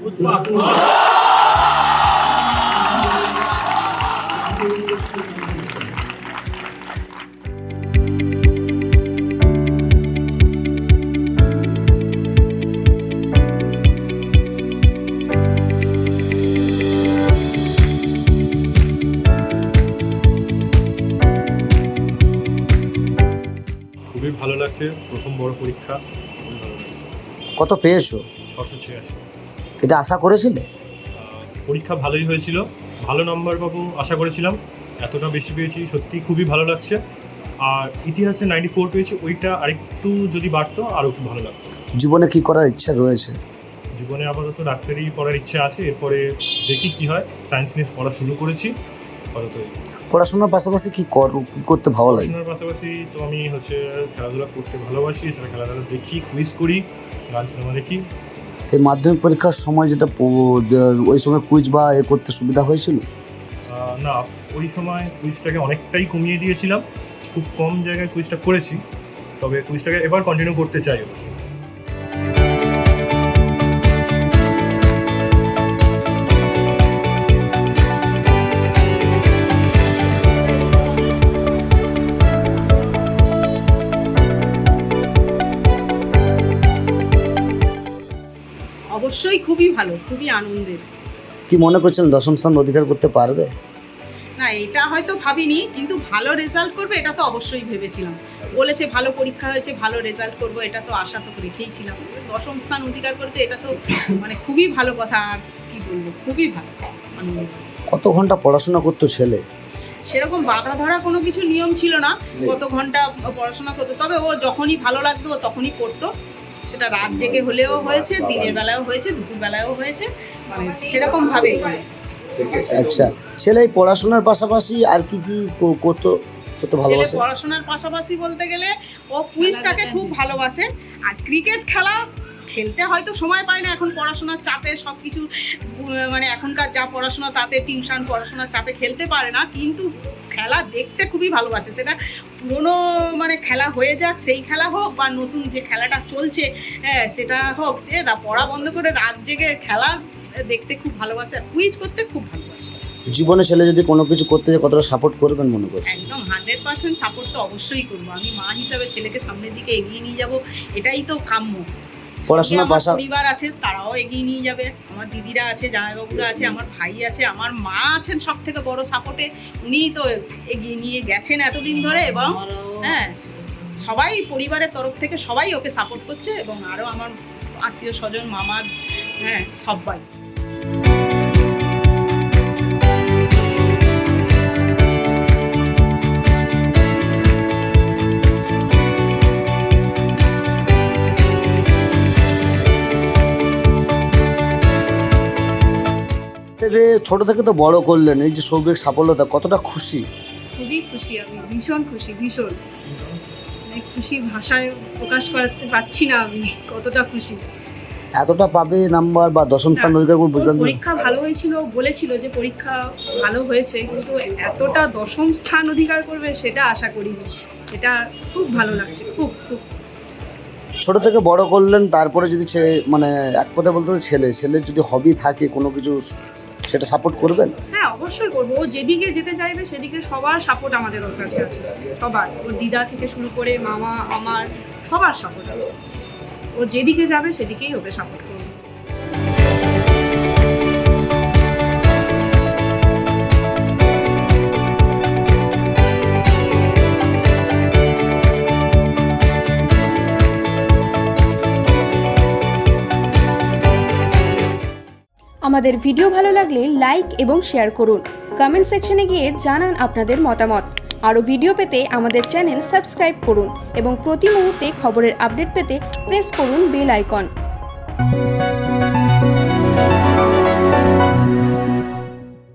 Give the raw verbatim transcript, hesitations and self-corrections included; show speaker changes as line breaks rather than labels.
খুবই ভালো লাগছে, প্রথম বড় পরীক্ষা, খুবই ভালো লাগছে।
কত পেয়েছো?
ছশো ছিয়াশি।
এটা আশা করেছিলে?
পরীক্ষা ভালোই হয়েছিল, ভালো নাম্বার পাবো আশা করেছিলাম, এতটা বেশি পেয়েছি, সত্যি খুবই ভালো লাগছে। আর ইতিহাসে নাইনটি ফোর পেয়েছি, ওইটা আরেকটু যদি বাড়তো আরও খুব ভালো লাগতো।
জীবনে কি করার ইচ্ছা রয়েছে?
জীবনে আপাতত ডাক্তারি পড়ার ইচ্ছা আছে, এরপরে দেখি কি হয়। সায়েন্স নিয়ে পড়া শুরু করেছি আপাতত।
পড়াশোনার পাশাপাশি কি করতে ভালো লাগে?
পড়াশোনার পাশাপাশি তো আমি হচ্ছে খেলাধুলা করতে ভালোবাসি, এছাড়া খেলাধুলা দেখি, কুইজ করি, গান সিনেমা দেখি।
এই মাধ্যমিক পরীক্ষার সময় যেটা ওই সময় কুইজ বা এ করতে সুবিধা হয়েছিল?
না, ওই সময় কুইজটাকে অনেকটাই কমিয়ে দিয়েছিলাম, খুব কম জায়গায় কুইজটা করেছি, তবে কুইজটাকে এবার কন্টিনিউ করতে চাই অবশ্যই।
অবশ্যই খুবই ভালো, খুবই আনন্দের।
কি মনে করছেন দশম স্থান অধিকার করতে পারবে?
না, এটা হয়তো ভাবিনি, কিন্তু ভালো রেজাল্ট করবে এটা তো অবশ্যই ভেবেছিলাম। বলেছে ভালো পরীক্ষা হয়েছে, ভালো রেজাল্ট করবো, এটা তো আশা তো রেখেইছিলাম। দশম স্থান অধিকার করেছে, এটা তো মানে খুবই ভালো কথা। আর কি বলবো, খুবই ভালো।
কত ঘন্টা পড়াশোনা করতো ছেলে?
সেরকম বাধা ধরা কোনো কিছু নিয়ম ছিল না কত ঘন্টা পড়াশোনা করতো, তবে ও যখনই ভালো লাগতো তখনই পড়তো। সেটা রাত জেগে হলেও হয়েছে, দিনের বেলায়ও হয়েছে, দুপুর বেলায়ও হয়েছে, মানে সেরকম ভাবে।
আচ্ছা, ছেলে পড়াশোনার পাশাপাশি আর কি কি করতো করতে ভালোবাসে?
পড়াশোনার পাশাপাশি বলতে গেলে ও কুইজটাকে খুব ভালোবাসে। আর ক্রিকেট খেলা খেলতে হয়তো সময় পায় না, এখন পড়াশোনার চাপে সব কিছু, মানে এখনকার যা পড়াশোনা তাতে টিউশন, পড়াশোনার চাপে খেলতে পারে না, কিন্তু খেলা দেখতে খুবই ভালোবাসে। সেটা পুরোনো মানে খেলা হয়ে যাক, সেই খেলা হোক, বা নতুন যে খেলাটা চলছে হ্যাঁ সেটা হোক, সে পড়া বন্ধ করে রাত জেগে খেলা দেখতে খুব ভালোবাসে, আর কুইজ করতে খুব ভালোবাসে।
জীবনে ছেলে যদি কোনো কিছু করতে যায় কতটা সাপোর্ট করবেন মনে করছেন?
একদম হান্ড্রেড পার্সেন্ট সাপোর্ট তো অবশ্যই করবো। আমি মা হিসাবে ছেলেকে সামনের দিকে এগিয়ে নিয়ে যাব, এটাই তো কাম্য।
পড়াশোনার পাশাপাশি
পরিবার আছে, তারাও এগিয়ে নিয়ে যাবে, আমার দিদিরা আছে, জামাইবাবুরা আছে, আমার ভাই আছে, আমার মা আছেন সব থেকে বড় সাপোর্টে। উনিই তো এগিয়ে নিয়ে গেছেন এতদিন ধরে, এবং হ্যাঁ সবাই পরিবারের তরফ থেকে সবাই ওকে সাপোর্ট করছে, এবং আরও আমার আত্মীয় স্বজন, মামা, হ্যাঁ সবাই।
ছোট থেকে তো বড় করলেন, এই যে সৌভিক সাফল্যতা, কতটা খুশি?
খুবই খুশি, আমি ভীষণ খুশি, ভীষণ খুশি, ভাষায় প্রকাশ করতে পারছি না আমি কতটা খুশি।
এতটা পাবে নাম্বার বা দশম স্থান অধিকার করবে?
পরীক্ষা ভালো হয়েছিল, বলেছিল যে পরীক্ষা ভালো হয়েছে, কিন্তু এতটা দশম স্থান অধিকার করবে সেটা আশা করিনি। এটা খুব ভালো লাগছে, খুব খুব।
ছোট থেকে বড় করলেন, তারপরে যদি মানে এক কথা বলতে ছেলে ছেলের যদি হবি থাকে কোনো কিছু, সেটা সাপোর্ট করবেন?
হ্যাঁ অবশ্যই করবো। ও যেদিকে যেতে চাইবে সেদিকে সবার সাপোর্ট আমাদের ওর কাছে আছে, সবার। ওর দিদা থেকে শুরু করে মামা, আমার সবার সাপোর্ট আছে। ও যেদিকে যাবে সেদিকেই ওকে সাপোর্ট করবো।
আমাদের ভিডিও ভালো লাগলে লাইক এবং শেয়ার করুন। কমেন্ট সেকশনে গিয়ে জানান আপনাদের মতামত। আরও ভিডিও পেতে আমাদের চ্যানেল সাবস্ক্রাইব করুন এবং প্রতি মুহূর্তে খবরের আপডেট পেতে প্রেস করুন বেল আইকন।